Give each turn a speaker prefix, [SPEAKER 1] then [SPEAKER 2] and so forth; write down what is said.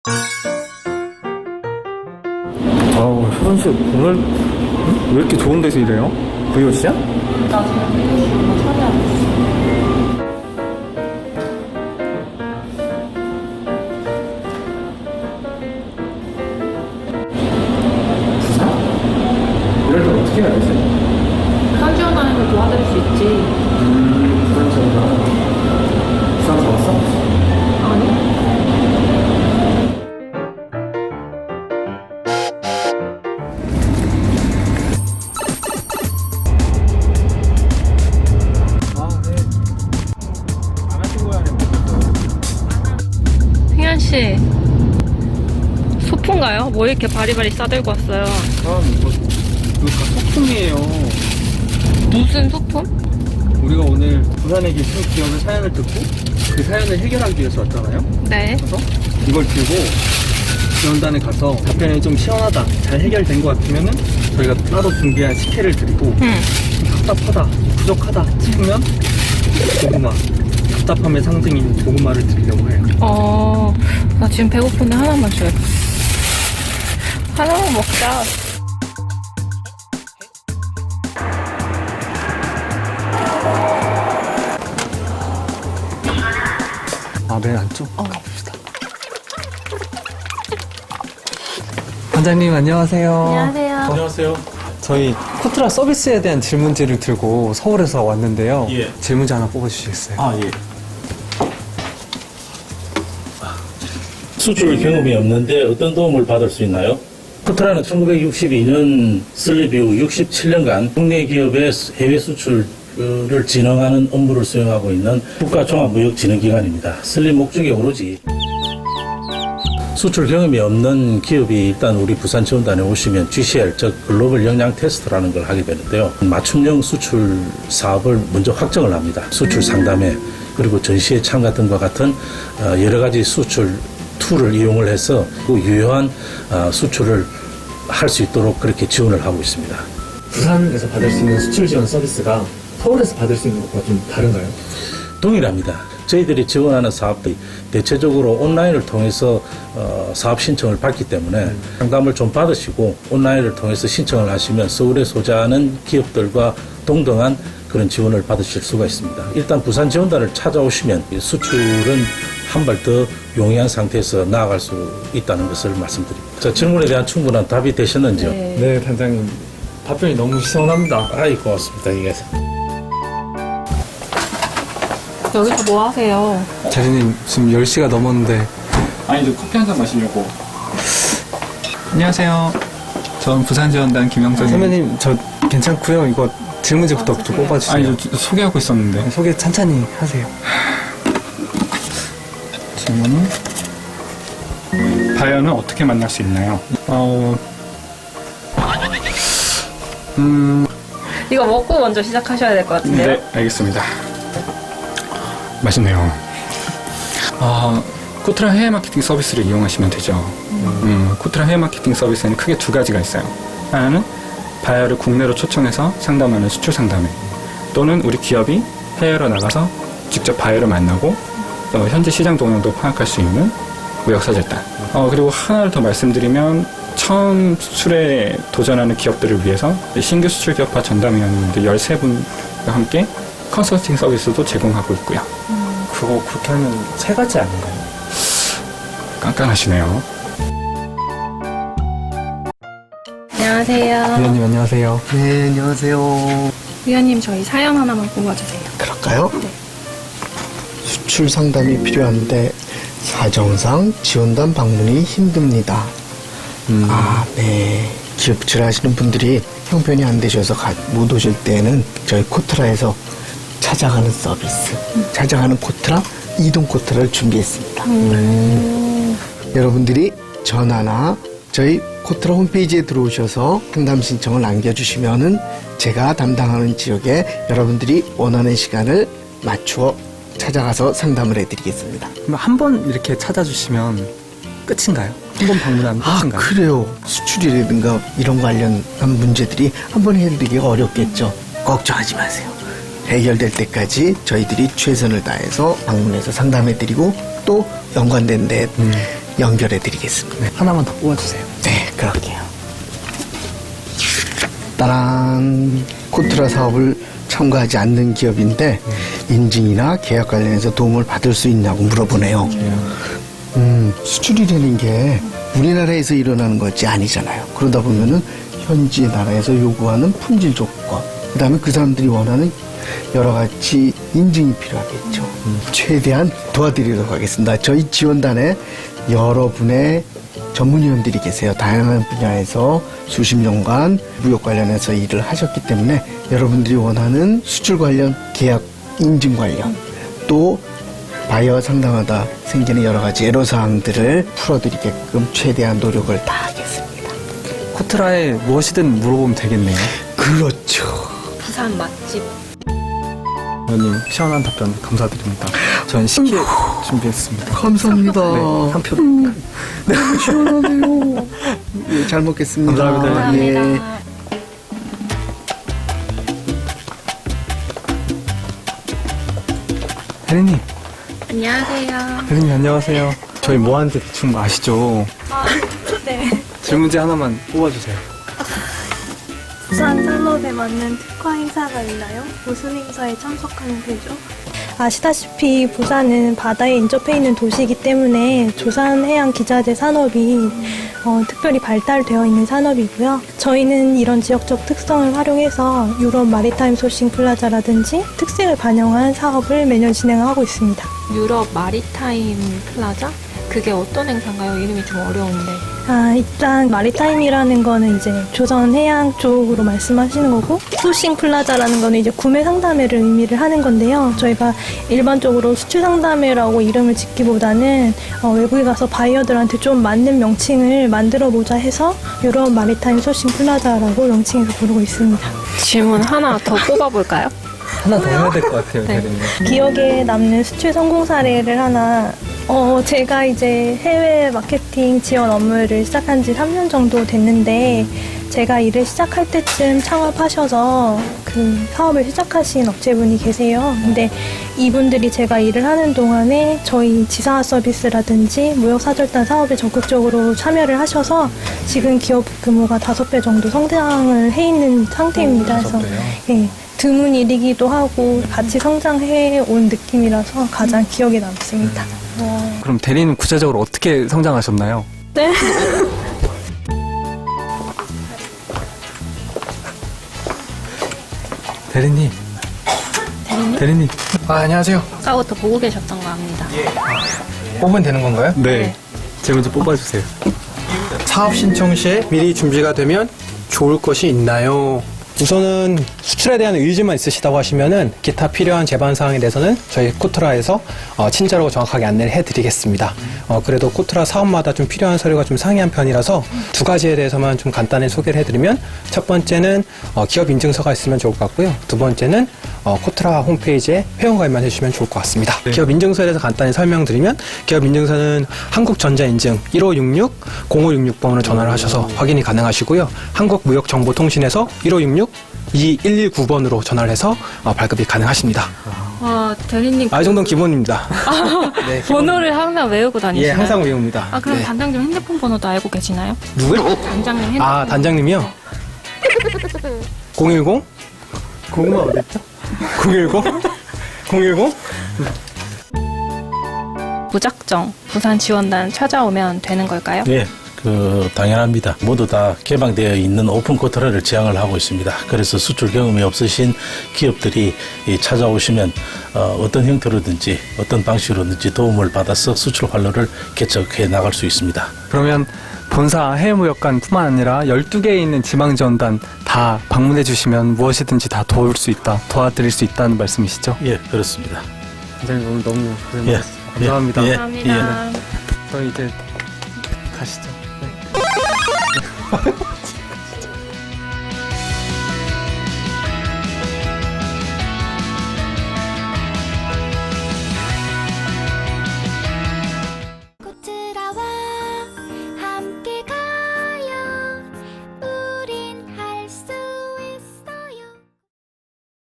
[SPEAKER 1] 효선 씨 오늘 왜 이렇게 좋은 데서 일해요? 브이오시야?
[SPEAKER 2] 나 지금 이거 처리하고 있어.
[SPEAKER 1] 이럴 때 어떻게 해야 되지?
[SPEAKER 2] 부산 지원단에서 도와드릴 수 있지.
[SPEAKER 1] 부산 지원단. 부산 잡았어?
[SPEAKER 2] 아니?
[SPEAKER 3] 승현씨, 소품가요? 뭐 이렇게 바리바리 싸들고 왔어요?
[SPEAKER 1] 이거 다 소품이에요.
[SPEAKER 3] 무슨 소품?
[SPEAKER 1] 우리가 오늘 부산에 계신 기업의 사연을 듣고 그 사연을 해결하기 위해서 왔잖아요.
[SPEAKER 3] 네.
[SPEAKER 1] 그래서 이걸 들고 지원단에 가서 답변이 좀 시원하다, 잘 해결된 것 같으면은 저희가 따로 준비한 식혜를 드리고 답답하다, 부족하다 싶으면 고구마, 답답함의 상징인 고구마를 드리려고 해요.
[SPEAKER 3] 나 지금 배고픈데 하나만 줘요. 하나만 먹자.
[SPEAKER 1] 맨 안쪽 가봅시다. 반장님 안녕하세요.
[SPEAKER 3] 안녕하세요.
[SPEAKER 4] 안녕하세요.
[SPEAKER 1] 저희 코트라 서비스에 대한 질문지를 들고 서울에서 왔는데요.
[SPEAKER 4] 예.
[SPEAKER 1] 질문지 하나 뽑아주시겠어요?
[SPEAKER 4] 예. 수출 경험이 없는데 어떤 도움을 받을 수 있나요? 코트라는 1962년 설립 이후 67년간 국내 기업의 해외 수출을 진흥하는 업무를 수행하고 있는 국가종합무역진흥기관입니다. 설립 목적이 오로지 수출 경험이 없는 기업이 일단 우리 부산 지원단에 오시면 GCL, 즉 글로벌 역량 테스트라는 걸 하게 되는데요. 맞춤형 수출 사업을 먼저 확정을 합니다. 수출 상담회, 그리고 전시회 참가 등과 같은 여러 가지 수출 툴을 이용을 해서 그 유효한 수출을 할 수 있도록 그렇게 지원을 하고 있습니다.
[SPEAKER 1] 부산에서 받을 수 있는 수출 지원 서비스가 서울에서 받을 수 있는 것과 좀 다른가요?
[SPEAKER 4] 동일합니다. 저희들이 지원하는 사업들이 대체적으로 온라인을 통해서 사업 신청을 받기 때문에 상담을 좀 받으시고 온라인을 통해서 신청을 하시면 서울에 소재하는 기업들과 동등한 그런 지원을 받으실 수가 있습니다. 일단 부산 지원단을 찾아오시면 수출은 한 발 더 용이한 상태에서 나아갈 수 있다는 것을 말씀드립니다. 자, 질문에 대한 충분한 답이 되셨는지요?
[SPEAKER 1] 네, 단장님. 답변이 너무 시원합니다.
[SPEAKER 4] 아이, 고맙습니다. 이게.
[SPEAKER 3] 여기서 뭐 하세요?
[SPEAKER 1] 자리님, 지금 10시가 넘었는데.
[SPEAKER 5] 아니, 저 커피 한 잔 마시려고. 안녕하세요. 전 부산지원단 김영정입니다.
[SPEAKER 1] 선배님, 저 괜찮고요. 이거 질문지부터 좀 뽑아주세요.
[SPEAKER 5] 아니, 저 소개하고 있었는데.
[SPEAKER 1] 소개 천천히 하세요.
[SPEAKER 5] 질문은? 바이어는 어떻게 만날 수 있나요?
[SPEAKER 3] 이거 먹고 먼저 시작하셔야 될 것 같은데요?
[SPEAKER 5] 네, 알겠습니다. 맛있네요. 코트라 해외 마케팅 서비스를 이용하시면 되죠. 코트라 해외 마케팅 서비스에는 크게 두 가지가 있어요. 하나는 바이어를 국내로 초청해서 상담하는 수출 상담회, 또는 우리 기업이 해외로 나가서 직접 바이어를 만나고 현재 시장 동향도 파악할 수 있는 무역사절단. 그리고 하나를 더 말씀드리면 처음 수출에 도전하는 기업들을 위해서 신규 수출 기업화 전담위원님들 13분과 함께 컨설팅 서비스도 제공하고 있고요.
[SPEAKER 1] 그거 그렇게 하면 세 가지 아닌가요?
[SPEAKER 5] 깐깐하시네요.
[SPEAKER 3] 안녕하세요.
[SPEAKER 1] 위원님 안녕하세요.
[SPEAKER 6] 네, 안녕하세요.
[SPEAKER 3] 위원님, 저희 사연 하나만 뽑아주세요.
[SPEAKER 6] 그럴까요? 수출 상담이 필요한데 사정상 지원단 방문이 힘듭니다. 네. 기업질 하시는 분들이 형편이 안 되셔서 못 오실 때는 저희 코트라에서 찾아가는 서비스, 찾아가는 코트라, 이동 코트라를 준비했습니다. 여러분들이 전화나 저희 코트라 홈페이지에 들어오셔서 상담 신청을 남겨주시면은 제가 담당하는 지역에 여러분들이 원하는 시간을 맞추어 찾아가서 상담을 해드리겠습니다.
[SPEAKER 1] 그럼 한 번 이렇게 찾아주시면 끝인가요? 한 번 방문하면 끝인가요?
[SPEAKER 6] 그래요. 수출이라든가 이런 관련한 문제들이 한 번 해드리기가 어렵겠죠. 걱정하지 마세요. 해결될 때까지 저희들이 최선을 다해서 방문해서 상담해드리고 또 연관된 데 연결해 드리겠습니다.
[SPEAKER 1] 하나만 더 뽑아주세요.
[SPEAKER 6] 네, 그럴게요. 따란 코트라 사업을 참가하지 않는 기업인데 인증이나 계약 관련해서 도움을 받을 수 있냐고 물어보네요. 수출이라는 게 우리나라에서 일어나는 것이 아니잖아요. 그러다 보면은 현지 나라에서 요구하는 품질 조건, 그다음에 그 사람들이 원하는 여러 가지 인증이 필요하겠죠. 최대한 도와드리도록 하겠습니다. 저희 지원단에 여러분의 전문위원들이 계세요. 다양한 분야에서 수십 년간 무역 관련해서 일을 하셨기 때문에 여러분들이 원하는 수출 관련 계약 인증 관련 또 바이어 상담하다 생기는 여러 가지 애로사항들을 풀어드리게끔 최대한 노력을 다하겠습니다.
[SPEAKER 1] 코트라에 무엇이든 물어보면 되겠네요.
[SPEAKER 6] 그렇죠.
[SPEAKER 3] 부산 맛집.
[SPEAKER 1] 의원님 시원한 답변 감사드립니다. 저는 식혜 준비했습니다.
[SPEAKER 6] 감사합니다.
[SPEAKER 1] 네, 한 표.
[SPEAKER 6] 너무 시원하네요. 예, 잘 먹겠습니다.
[SPEAKER 1] 감사합니다.
[SPEAKER 6] 예.
[SPEAKER 1] 혜린님,
[SPEAKER 3] 안녕하세요.
[SPEAKER 1] 혜린님 안녕하세요. 저희 뭐 하는지 대충 아시죠?
[SPEAKER 3] 네.
[SPEAKER 1] 질문지 하나만 뽑아주세요.
[SPEAKER 7] 부산 산업에 맞는 특화 행사가 있나요? 무슨 행사에 참석하면 되죠? 아시다시피 부산은 바다에 인접해 있는 도시이기 때문에 조산해양기자재 산업이 특별히 발달되어 있는 산업이고요. 저희는 이런 지역적 특성을 활용해서 유럽 마리타임 소싱 플라자라든지 특색을 반영한 사업을 매년 진행하고 있습니다.
[SPEAKER 3] 유럽 마리타임 플라자? 그게 어떤 행사인가요? 이름이 좀 어려운데.
[SPEAKER 7] 일단 마리타임이라는 거는 이제 조선 해양 쪽으로 말씀하시는 거고 소싱 플라자라는 거는 이제 구매 상담회를 의미를 하는 건데요. 저희가 일반적으로 수출 상담회라고 이름을 짓기보다는 외국에 가서 바이어들한테 좀 맞는 명칭을 만들어 보자 해서 유럽 마리타임 소싱 플라자라고 명칭해서 부르고 있습니다.
[SPEAKER 3] 질문 하나 더 뽑아볼까요?
[SPEAKER 1] 하나 더 해야 될 것 같아요,
[SPEAKER 3] 네.
[SPEAKER 1] 혜린님.
[SPEAKER 7] 기억에 남는 수출 성공 사례를 하나 제가 이제 해외 마케팅 지원 업무를 시작한 지 3년 정도 됐는데 제가 일을 시작할 때쯤 창업하셔서 그 사업을 시작하신 업체분이 계세요. 근데 이분들이 제가 일을 하는 동안에 저희 지사 서비스라든지 무역사절단 사업에 적극적으로 참여를 하셔서 지금 기업 규모가 5배 정도 성장을 해 있는 상태입니다. 그래서 예, 드문 일이기도 하고 같이 성장해 온 느낌이라서 가장 기억에 남습니다.
[SPEAKER 1] 그럼 대리는 구체적으로 어떻게 성장하셨나요?
[SPEAKER 7] 네.
[SPEAKER 1] 대리님. 대리님.
[SPEAKER 8] 안녕하세요.
[SPEAKER 3] 아까부터 보고 계셨던 거 압니다.
[SPEAKER 8] 뽑으면 되는 건가요?
[SPEAKER 1] 네. 질문지 뽑아주세요.
[SPEAKER 8] 사업 신청 시에 미리 준비가 되면 좋을 것이 있나요? 우선은 수출에 대한 의지만 있으시다고 하시면은 기타 필요한 제반 사항에 대해서는 저희 코트라에서 친절하고 정확하게 안내를 해드리겠습니다. 그래도 코트라 사업마다 좀 필요한 서류가 좀 상이한 편이라서 두 가지에 대해서만 좀 간단히 소개를 해드리면 첫 번째는 기업 인증서가 있으면 좋을 것 같고요. 두 번째는 코트라 홈페이지에 회원가입만 해주시면 좋을 것 같습니다.
[SPEAKER 1] 네.
[SPEAKER 8] 기업 인증서에 대해서 간단히 설명드리면 기업 인증서는 한국전자인증 1566-0566번으로 전화를 하셔서 확인이 가능하시고요. 한국무역정보통신에서 1566-2119번으로 전화를 해서 발급이 가능하십니다.
[SPEAKER 3] 와, 대리님.
[SPEAKER 8] 이 정도는 기본입니다. 네,
[SPEAKER 3] 번호를 항상 외우고 다니시나요?
[SPEAKER 8] 예, 항상 외웁니다.
[SPEAKER 3] 그럼
[SPEAKER 8] 네.
[SPEAKER 3] 단장님 핸드폰 번호도 알고 계시나요?
[SPEAKER 8] 누구요?
[SPEAKER 3] 단장님 핸드폰.
[SPEAKER 8] 단장님이요? 010? 고구마 어딨죠? 010? 010?
[SPEAKER 3] 무작정 부산 지원단 찾아오면 되는 걸까요?
[SPEAKER 4] 예, 당연합니다. 모두 다 개방되어 있는 오픈 코트라를 지향을 하고 있습니다. 그래서 수출 경험이 없으신 기업들이 찾아오시면 어떤 형태로든지 어떤 방식으로든지 도움을 받아서 수출 활로를 개척해 나갈 수 있습니다.
[SPEAKER 1] 그러면 본사 해외무역관뿐만 아니라 12개에 있는 지방지원단 다 방문해 주시면 무엇이든지 다 도울 수 있다, 도와드릴 수 있다는 말씀이시죠?
[SPEAKER 4] 예, 그렇습니다.
[SPEAKER 1] 단장님 오늘 너무 고생
[SPEAKER 4] 예,
[SPEAKER 1] 많으셨습니다. 감사합니다.
[SPEAKER 4] 예,
[SPEAKER 3] 감사합니다.
[SPEAKER 1] 저희 이제 가시죠. 네.